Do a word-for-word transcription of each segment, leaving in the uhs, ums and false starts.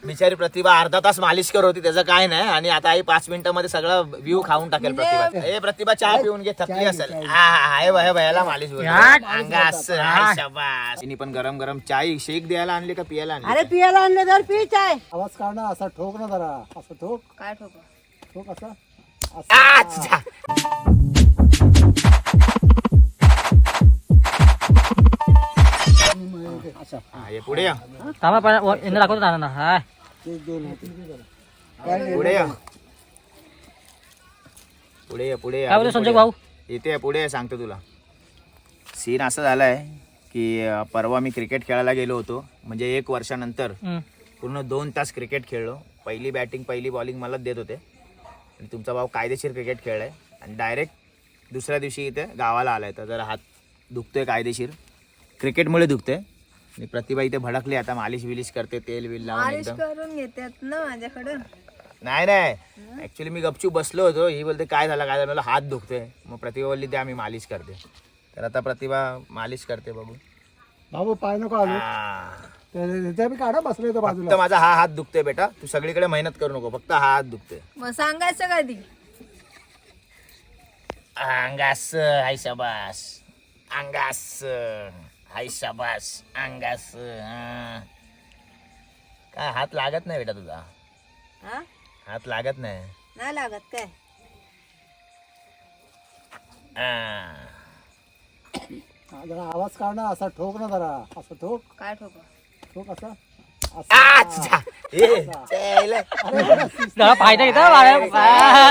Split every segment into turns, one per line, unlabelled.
बिचारी प्रतिभा अर्धा तास मालिश करत होती, त्याचं काय नाही. आणि आता आई पाच मिनिटांमध्ये सगळा व्ह्यू खाऊन टाकेल प्रतिभा. ए प्रतिभा चहा पिऊन घे, थकली असेल. हाय बाय भयाला मालिश शाबास. तिने पण गरम गरम चाय शेक द्यायला आणले का पियाला आणले?
अरे पियाला आणले तर पी चाय.
आवाज काढ ना, असा ठोक ना जरा, असं ठोक.
काय ठोक?
ठोक असा.
अच्छा.
अच्छा
हा, ये पुढे या,
थांबा पण यांना दाखवतो ना हाय
ते दोन होते.
पुढे या, पुढे या, पुढे
काय बोलतो संजय भाऊ?
इथे पुढे सांगतो तुला. सीन असं झालाय की अं, परवा मी क्रिकेट खेळायला गेलो होतो. म्हणजे एक वर्षानंतर
हम्म.
पूर्ण दोन तास क्रिकेट खेळलो. पहिली बॅटिंग पहिली बॉलिंग मलाच देत होते. आणि तुमचा भाऊ कायदेशीर क्रिकेट खेळलाय आणि डायरेक्ट दुसऱ्या दिवशी इथे गावाला आलाय. तर जरा हात दुखतोय कायदेशीर, क्रिकेटमुळे दुखतोय. आणि प्रतिभा इथे भडकली, आता मालिश बिलिश करते, तेल बिल लावून एकदम.
करून घेतात ना माझ्याकडे.
नाही नाही ऍक्च्युली मी गपचूप बसलो होतो. ही बोलते काय झालं काय झालं, मला हात दुखतोय. मग प्रतिभा बोलली ते आम्ही मालिश करते. तर आता प्रतिभा मालिश करते बघू.
बाबू पाय नको आलो.
हा.
त्याच्या मी काढा बसलोय तो
फक्त
बाजूला.
माझा हा हात दुखतोय बेटा, तू सगळीकडे मेहनत करू नको, फक्त हा हात दुखतोय.
मग सांगायचं कधी?
अंगास हाय शाबास, अंगास हाय शाबास, अंगास. हा. काय हात लागत नाही बेटा तुझा,
हा?
हात लागत नाही.
नाही लागत काय?
हा.
हा, जरा आवाज काढ ना, असा ठोक ना जरा, असं ठोक.
काय ठोक?
ठोक असा.
अच्छा. ए, चल.
जरा फायदा घेतो बाळा.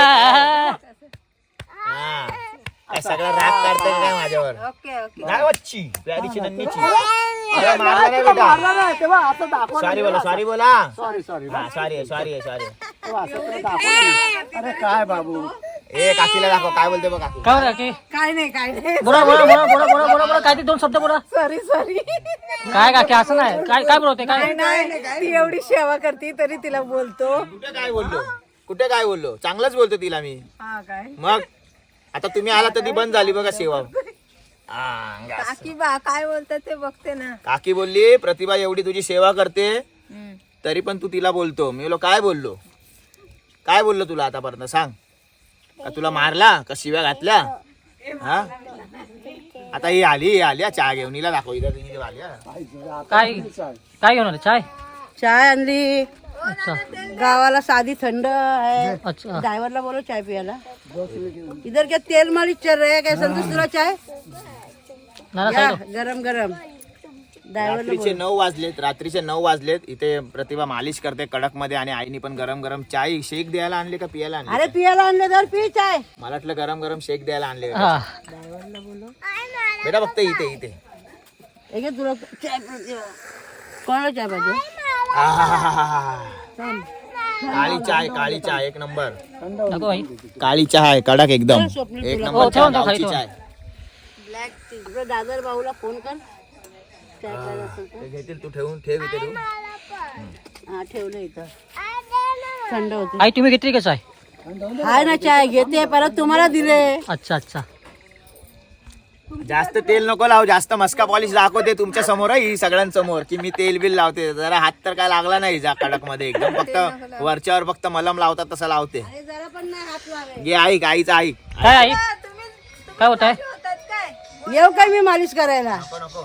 हा. काय सगळा राग काढतोय काय माझ्यावर?
Okay okay.
नाही वच्ची प्यारीची नन्नीची. अरे मारला नाही बेटा.
मारला नाही, तेव्हा असं दाखव.
सॉरी बोला, सॉरी बोला.
सॉरी सॉरी
हा सॉरी आहे, सॉरी आहे, सॉरी आहे.
तेव्हा असं तुला दाखव. अरे काय बाबू,
ए काकीला दाखव काय बोलते बघा.
काय बोला की
काय नाही काय नाही.
बोला बोला बोला बोला बोला बोला बोला काय ते दोन शब्द बोला.
Sorry sorry.
काय काकी असं नाही, काय काय बोलवते काय?
नाही ती एवढी सेवा करते तरी तिला बोलतो.
कुठे काय बोललो, कुठे काय बोललो, चांगलंच बोलतो तिला मी.
हा काय?
मग आता तुम्ही आला तर ती बंद झाली बघा सेवा. हा, अंगास.
काकी बा काय बोलतात ते बघते ना.
काकी बोलली प्रतिभा एवढी तुझी सेवा करते
हम्म.
तरी पण तू तिला बोलतो. मी बोललो काय बोललो, काय बोललो तुला आतापर्यंत सांग. का तुला मारला का शिव्या घातल्या? हा आता ही आली ही आली हा, चहा घेऊन हिला दाखव इथं तिने आली हा.
काय काय घेऊन आले? चाय?
चाय आणली.
अच्छा
गावाला साधी थंड है.
अच्छा.
ड्रायव्हरला बोलो चाय पियाला. इधर क्या तेल मालिश चल रहा है क्या संतोष तुला चाय?
ना ना
या,
सांगितलं.
गरम गरम. ड्रायव्हरला
रात्रीचे नऊ वाजलेत, रात्रीचे नऊ वाजलेत. इथे प्रतिभा मालिश करते कडक मध्ये आणि आईनी पण गरम गरम चाय शेक द्यायला आणले का पियाला आणले?
अरे पियाला आणले तर पी चाय.
मला वाटलं गरम गरम शेक द्यायला आणले.
हा
ड्रायव्हरला बोलो.
बेटा फक्त इथे इथे.
एक तुला चाय पाहिजे. कोणाला चाय पाहिजे?
आहाहाहा.
थांब.
काळी चाय, काळी चाय एक नंबर.
नको भाई.
काळी चहा आहे कडक एकदम,
स्वप्नील
एक
तुला.
नंबर
हो,
चहा,
ठेवून टाक,
गावची
ठेवून.
चाय.
Black tea. आपल्या दादर भाऊला फोन कर. चाय पाहिजे असेल तर.
ते घेतील, तू ठेवून ठेव इथे तू.
हा ठेवलं इथं. थंड होते.
आई तुम्ही घेतली का चाय?
हाय ना चाय घेते परत तुम्हाला दिले.
अच्छा अच्छा.
जास्त तेल नको लावू, जास्त मस्का पॉलिश दाखवते तुमच्या समोर ही सगळ्यांसमोर की मी तेल बिल लावते. जरा हात तर काय लागला नाही जा कडक मध्ये एकदम, फक्त वरच्यावर फक्त मलम लावतात तसं लावते.
अरे जरा पण नाही हात लावे.
घे ऐक, आईचा ऐक.
काय आई काय होत आहे?
येऊ काय मी मालिश करायला?
नको नको.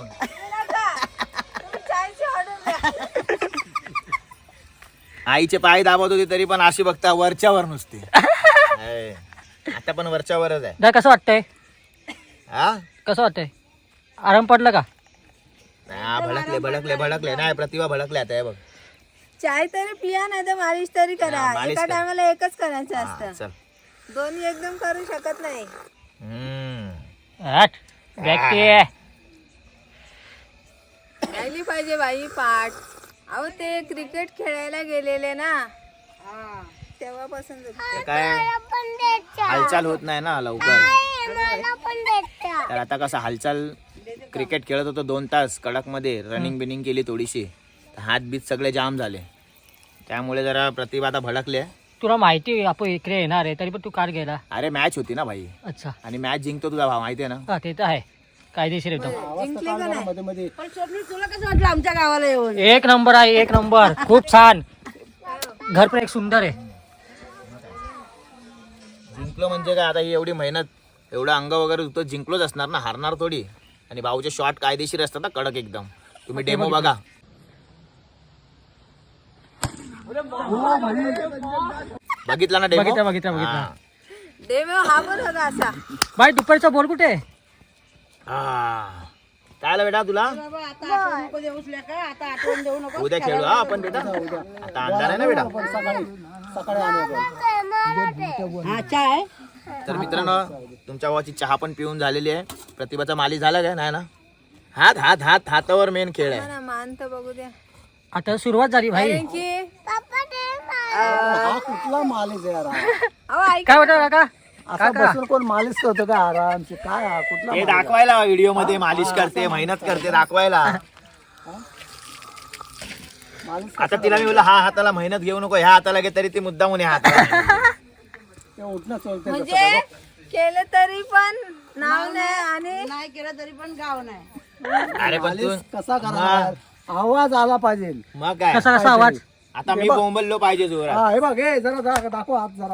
आईचे पाय दाबत होते तरी पण अशी बघता वरच्यावर नुसते. हाय. आता पण वरच्यावरच आहे.
दादा कसं वाटतंय?
हा
कसं वाटतंय? आराम पडला का?
हा, भडकले भडकले भडकले नाही प्रतिभा भडकले आता हे बघ.
चाय तरी पिया नाही तर मालिश तरी करा.
हा, मालिश
एका
कर.
टायमाला एकच करायचं
हा,
असतं.
चल.
दोन्ही एकदम करू शकत नाही.
हम्म.
हट व्यक्ती आहे.
राहिली पाहिजे बाई पाठ. अहो ते क्रिकेट खेळायला गेलेले ना तेव्हापासून
ते काय हालचाल होत नाही ना लवकर. तर आता कसं हालचाल क्रिकेट खेळत होतो दोन तास कडक मध्ये, रनिंग बिनिंग केली थोडीशी, हात बीत सगळे जाम झाले. त्यामुळे जरा प्रतिभा आता भडकले.
तुला माहिती आहे आपण इकडे येणार आहे तरी पण तू कार गेला.
अरे मॅच होती ना भाई,
अच्छा
आणि मॅच जिंकतो तुझा भाव माहिती आहे ना.
हा ते तर आहे कायदेशीर एकदम.
आवाज तर काढ जरा मध्ये मध्ये.
पण स्वप्नील तुला कसं वाटलं आमच्या गावाला येऊन?
एक नंबर आहे, एक नंबर. खूप छान. घर पण एक सुंदर आहे.
जिंकलो म्हणजे काय आता ही एवढी मेहनत एवढं अंग वगैरे दुखतो, जिंकलोच असणार ना, हारणार थोडी. आणि भाऊचे शॉट कायदेशीर असतात ना, कडक एकदम. तुम्ही डेमो बघा. बघितला ना डेमो?
बघितला बघितला बघितला.
देव हा पण होता असा.
बाई दुपारचा बॉल कुठे आहे?
काय आलं बेटा तुला?
बाबा आता आठवण नको देऊस का, आता आठवण देऊ नको.
उद्या खेळू हा आपण बेटा. आता अंधार आहे ना बेटा.
आपण सकाळी सकाळी आणू आपण.
हा चाय
तर मित्रांनो, तुमच्या भावाची चहा पण पिऊन झालेली आहे. प्रतिभाचा मालिश झाला काय? नाही ना. हात हात हात हातावर मेन खेळ आहे.
मान तर बघू द्या.
आता सुरुवात झाली भाई.
हा कुठला मालिश आहे यार हा?
काय वाटत काका?
असा बसून कोण मालिश करतो का आरामची? काय हा कुठला
हे
मालिश आहे?
दाखवायला व्हिडिओ मध्ये मालिश करते, मेहनत करते, दाखवायला.
मालिश
आता तिला मी बोलला हा हाताला मेहनत घेऊ नको, ह्या हाताला घे, तरी ती मुद्दाम म्हणे हाताला.
ते उठणं सोडते
म्हणजे केलं तरी पण नाव नाही आणि नाही केलं तरी पण गाव नाही.
अरे पण तू
मालिश कसा करणार? आवाज आला पाहिजे.
मग काय
कसा कसा आवाज?
आता मी बोंबललो पाहिजे जोरात.
हा हे बघ हे जरा दा- दाखव हात जरा.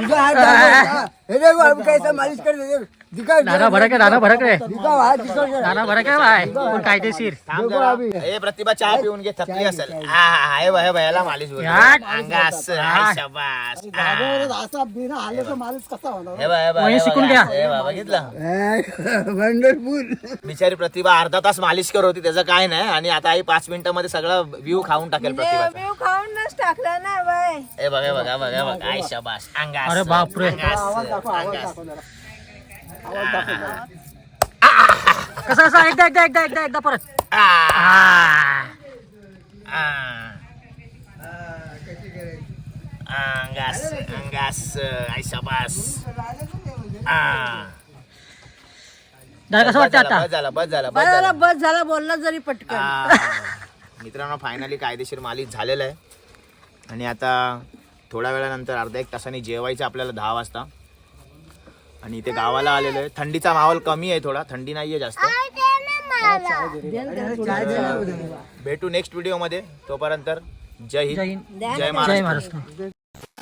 नाना भडक आहे, नाना भडक आहे, नाना भडक आहे बाय. पण कायदेशीर.
थांब जरा. ए प्रतिभा चहा पिऊन घे, थकली असेल. हा हा हे बघ, हे बघ, याला मालिश बोलतो.
यार.
अंगा असं, हाय शाबास. हा.
जागेवरच असा बिना आल्याचा मालिश कसा होणार?
हे बघ, हे बघ,
वही
हे बघ,
शिकून घ्या.
हे बघ, बघितलं?
वंडरफुल.
बिचारी प्रतिभा अर्धा तास मालिश करत होती, त्याचं काय नाही. आणि आता आई पाच मिनिटांमध्ये सगळं व्ह्यू खाऊन टाकेल प्रतिभाचा.
मी खाऊनच टाकलं ना बाय.
हे बघ, हे बघ, हे बघ, हे बघ, आय शाबास. अंगा
अरे
असं,
बापरे.
अंगा असं,
आवाज दाखव आवाज
अंगा
दाखव
असं.
जरा. आवाज दाखव जरा.
कसा कसा एकदा एकदा एकदा एकदा एकदा परत.
आ. आ. अंगास अंगास आय शाबास. आ.
दादा कसं वाटतं
बस
आता?
झाला, बस झाला, बस
बस
झाला.
झाला बस झाला बोलला जरी पटकन.
आ. मित्रांनो, फायनली कायदेशीर मालिश झालेला आहे. आणि आता थोड्या वेळानंतर अर्धा एक तासाने जेवायचं आपल्याला दहा वाजता. आणि इथे गावाला आलेलो आहे. थंडीचा माहोल कमी आहे, थोडा थंडी नाहीये जास्त. भेटू नेक्स्ट व्हिडिओ मध्ये. तोपर्यंत जय हिंद,
जय हिंद.
जय
जय
महाराष्ट्र.
महाराष्ट्र.